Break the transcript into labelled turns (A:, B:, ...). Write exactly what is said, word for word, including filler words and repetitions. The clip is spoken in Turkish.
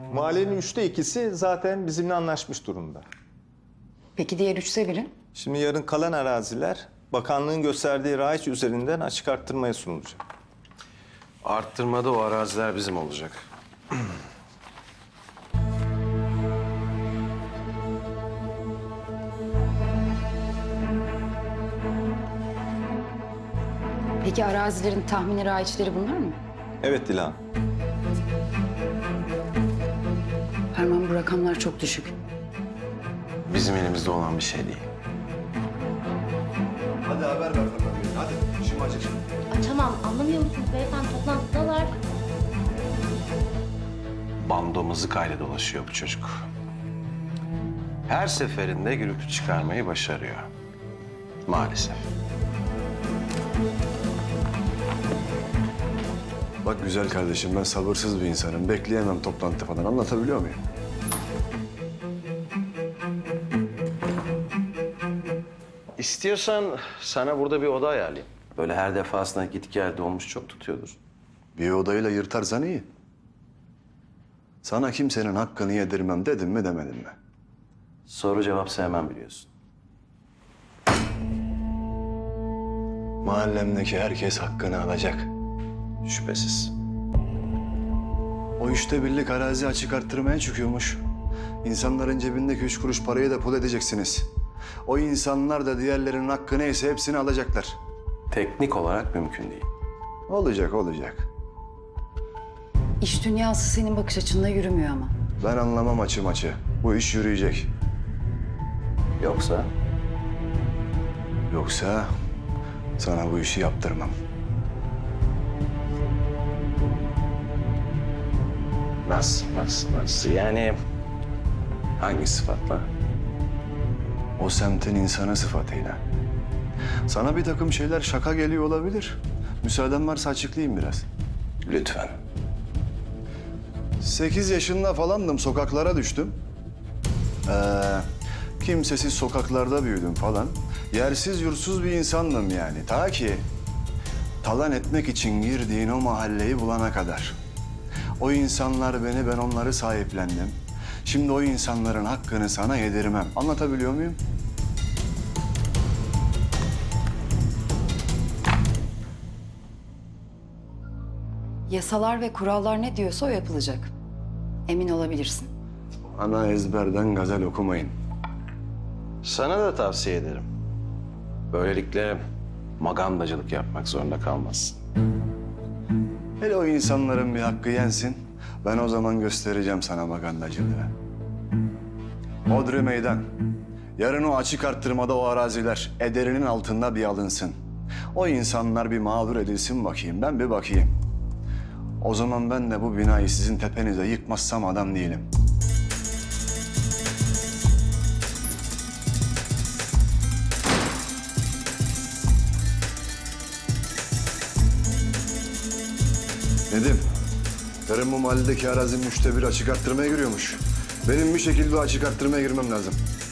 A: Mahallenin üçte ikisi zaten bizimle anlaşmış durumda.
B: Peki diğer üçte biri?
A: Şimdi yarın kalan araziler bakanlığın gösterdiği raiç üzerinden açık arttırmaya sunulacak.
C: Arttırmada o araziler bizim olacak.
B: Peki arazilerin tahmini raiçleri bunlar mı?
A: Evet Dilan.
B: Ferman, bu rakamlar çok düşük.
C: Bizim elimizde olan bir şey değil.
D: Hadi haber ver bakalım. Hadi işim acil.
E: Açamam. Anlamıyor musunuz beyefendi? Toplantıdalar.
C: Bando mızıkayla dolaşıyor bu çocuk. Her seferinde gürültü çıkarmayı başarıyor. Maalesef.
D: Bak güzel kardeşim, ben sabırsız bir insanım. Bekleyemem toplantı falan. Anlatabiliyor muyum?
C: İstiyorsan sana burada bir oda ayarlayayım. Böyle her defasında git gel dolmuş çok tutuyordur.
D: Bir odayla yırtarsan iyi. Sana kimsenin hakkını yedirmem dedim mi demedim mi?
C: Soru cevap sevmem biliyorsun.
D: Mahallemdeki herkes hakkını alacak.
C: Şüphesiz.
D: O üçte birlik arazi açık arttırmaya çıkıyormuş. İnsanların cebindeki üç kuruş parayı da pul edeceksiniz. O insanlar da diğerlerinin hakkı neyse hepsini alacaklar.
C: Teknik olarak mümkün değil.
D: Olacak, olacak.
B: İş dünyası senin bakış açınla yürümüyor ama.
D: Ben anlamam açı maçı. Bu iş yürüyecek.
C: Yoksa
D: Yoksa sana bu işi yaptırmam.
C: nasıl, nasıl, nasıl? Yani hangi sıfatla?
D: O semtin insanı sıfatıyla. Sana bir takım şeyler şaka geliyor olabilir. Müsaaden varsa açıklayayım biraz.
C: Lütfen.
D: Sekiz yaşında falandım, sokaklara düştüm. Ee, kimsesiz sokaklarda büyüdüm falan. Yersiz yursuz bir insandım yani. Ta ki talan etmek için girdiğin o mahalleyi bulana kadar. O insanlar beni, ben onları sahiplendim. Şimdi o insanların hakkını sana yedirmem. Anlatabiliyor muyum?
B: Yasalar ve kurallar ne diyorsa o yapılacak. Emin olabilirsin.
D: Ana ezberden gazel okumayın.
C: Sana da tavsiye ederim. Böylelikle magandacılık yapmak zorunda kalmazsın.
D: Hele o insanların bir hakkı yensin. Ben o zaman göstereceğim sana magandacılığı. Hodri meydan. Yarın o açık arttırmada o araziler ederinin altında bir alınsın. O insanlar bir mağdur edilsin bakayım. Ben bir bakayım. O zaman ben de bu binayı sizin tepenize yıkmazsam adam değilim. Nedim, yarın bu mahalledeki arazinin üçte bir açık arttırmaya giriyormuş. Benim bir şekilde o açık arttırmaya girmem lazım.